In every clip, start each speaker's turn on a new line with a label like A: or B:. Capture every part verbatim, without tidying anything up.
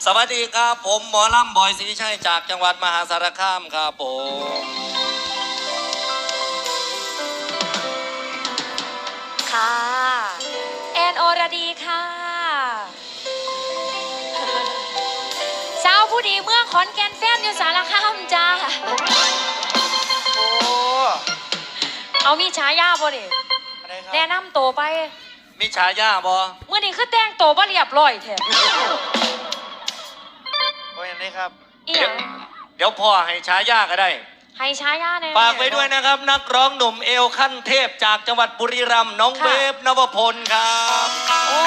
A: สวัสดีครับผมหมอลำบอยศรีชัยจากจังหวัดมหาสารคามครับผม
B: ค่ะแอนอรดีค่ะสาวผู้ดีเมืองขอนแก่นแฟนอยู่สารคามจ้า
C: โอ้
B: เอามีฉายาบ่ดิแนะนำตัวไป
A: มีฉายาบ่
B: เมื่อนี้คือแต่งตัวบ่เรียบร้อยแท้
C: โอ้ยนี่ครับ
B: อีหยัง
A: เดี๋ยวพ่อให้ฉายาก็ได้
B: ให้ฉายาแน่
A: ฝากไว้ด้วยนะครับนักร้องหนุ่มเอวขั้นเทพจากจังหวัดบุรีรัมย์น้องเวฟนวพลครับ
B: โอ้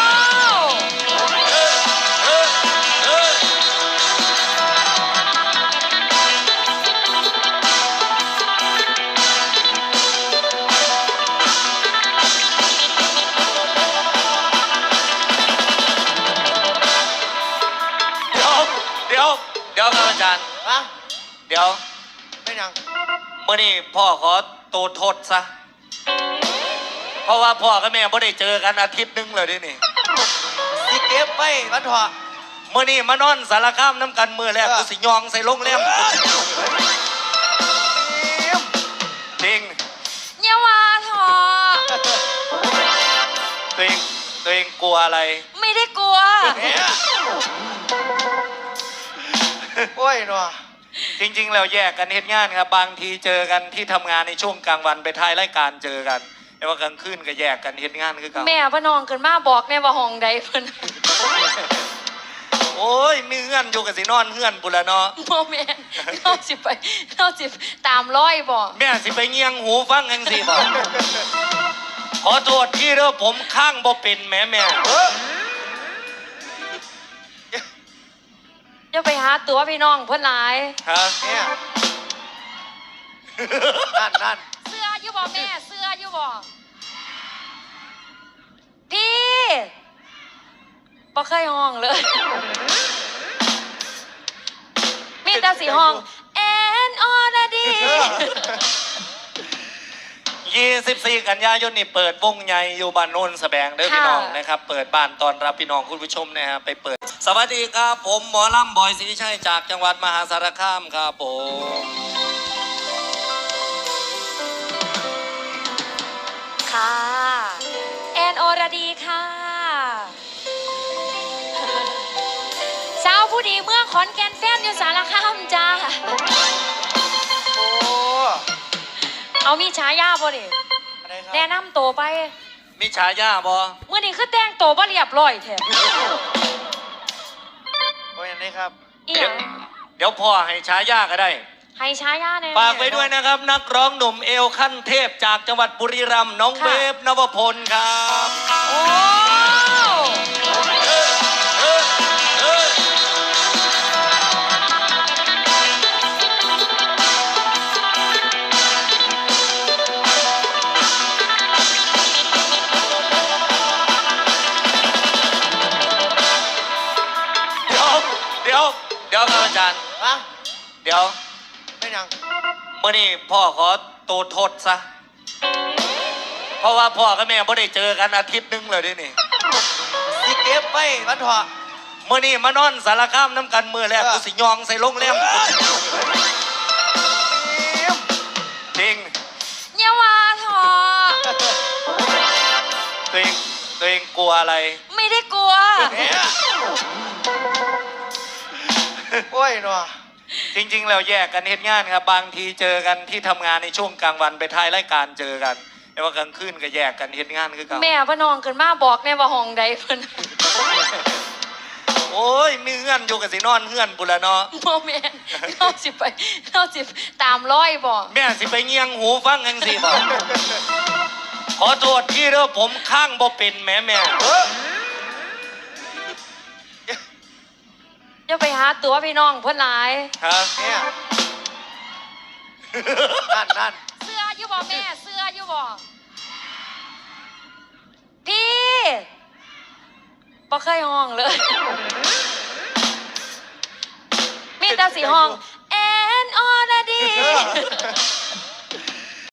A: เดี๋ยวเดี๋ยวครับอาจารย์
C: ฮะ
A: เดี๋ยว
C: ไม่ยัง
A: เมื่อนี้พ่อขอตัวทดซะเพราะว่าพ่อกับแม่ไม่ได้เจอกันอาทิตย์นึงเลยดินี่
C: สิเก็บไปวันถอด
A: เมื่อนี้มานอนสารคามน้ำกันมือแรกกูสิยองใส่ลงเล่มจริง
B: เยาวาทอ
A: ตัวเองตัวเองกลัวอะไร
B: ไม่ได้กลัว
C: โอ้ยหนอ
A: จริงๆแล้วแยกกันเฮ็ดงานครับบางทีเจอกันที่ทำงานในช่วงกลางวันไปถ่ายรายการเจอกันแต่ว่ากลางคืนก็แยกกันเฮ็ดงานคือกัน
B: แม่พ่อน้องเกินมาบอกแน่ว่าห้องใดเพิ่น
A: โอ้ยมีเงื่อนอยู่กับสินอนเงื่อนบุละเนาะ
B: โมแม่เราสิไปเราสิตามร้อยบ่
A: แม่สิไปเงียงหูฟังจังสิบ่ขอโทษที่เด้อผมข้างบ่เป็นแม่แม่
B: จะไปหาตัวพี่น้องเพื่อนหลาย
A: ฮะ
C: เนี่ยนั่นนั่น
B: เสื้ออยู่บ่แม่เสื้ออยู่บ่พี่บ่เคยห้องเลยมีแต่สีห้องแอนอรดี
A: ยี่สิบสี่กันยายนนี่เปิดวงใหญ่อยู่บ้านโนนสแบงเด้อพี่น้องนะครับเปิดบ้านตอนรับพี่น้องคุณผู้ชมนะฮะไปเปิดสวัสดีครับผมหมอลำบอยศรีชัยจากจังหวัดมหาสารคามครับผม
B: ค่ะแอนอรดีค่ะสาวผู้ดีเมืองขอนแก่นแฟนอยู่สารคามจ้า
C: โอ้
B: เอามีฉายาบ่ดิแนะนำตัวไป
A: มีฉายาบ่
B: เมื่อนี้คือแต่งตัวบ่เรียบร้อยแท้
C: โอ้ยนี่ครับ
B: อีหยัง
A: เดี๋ยวพ่อให้ฉายาก็ได้
B: ให้ฉายาแน่
A: ฝากไว้ด้วยนะครับนักร้องหนุ่มเอวขั้นเทพจากจังหวัดบุรีรัมย์น้องเวฟนวพลครับ
B: โอ้
A: เดี๋ยวเดี๋ยวครับอาจารย์
C: ฮะ
A: เดี๋ยว
C: ไม่ยัง
A: เมื่อนี้พ่อขอตัวทดซะเพราะว่าพ่อกับแม่ไม่ได้เจอกันอาทิตย์นึงเลยดินี่
C: สิเก็บไปวันถอด
A: เมื่อนี้มานอนสารคามน้ำกันมือแรกกูสิยองใส่ลงเล่มจริง
B: เยาวาทอ
A: ตัวเองตัวเองกลัวอะไร
B: ไม่ได้กลัว
C: โอ้ยหนอ
A: จริงๆแล้วแยกกันเฮ็ดงานครับบางทีเจอกันที่ทำงานในช่วงกลางวันไปถ่ายรายการเจอกันแต่ว่ากลางคืนก็แยกกันเฮ็ดงานคือกัน
B: แม่พ่อน้องเกินมาบอกแน่ว่าห้องใดเพิ่น
A: โอ้ยมีเงื่อนอยู่กับสินอนเงื่อนบุละเนาะ
B: โมแม่เราสิไปเราสิตามร้อยบ่
A: แม่สิไปเงียงหูฟังจังสิบ่ขอโทษที่เด้อผมข้างบ่เป็นแม่แม่
B: จะไปหาตัวพี่น้องเพื่อนหลาย
A: ฮะ
C: เนี่ยนั่นนั่น
B: เสื้ออยู่บ่แม่เสื้ออยู่บ่พี่บ่เคยห้องเลยมีแต่สีห้องแอนอรดี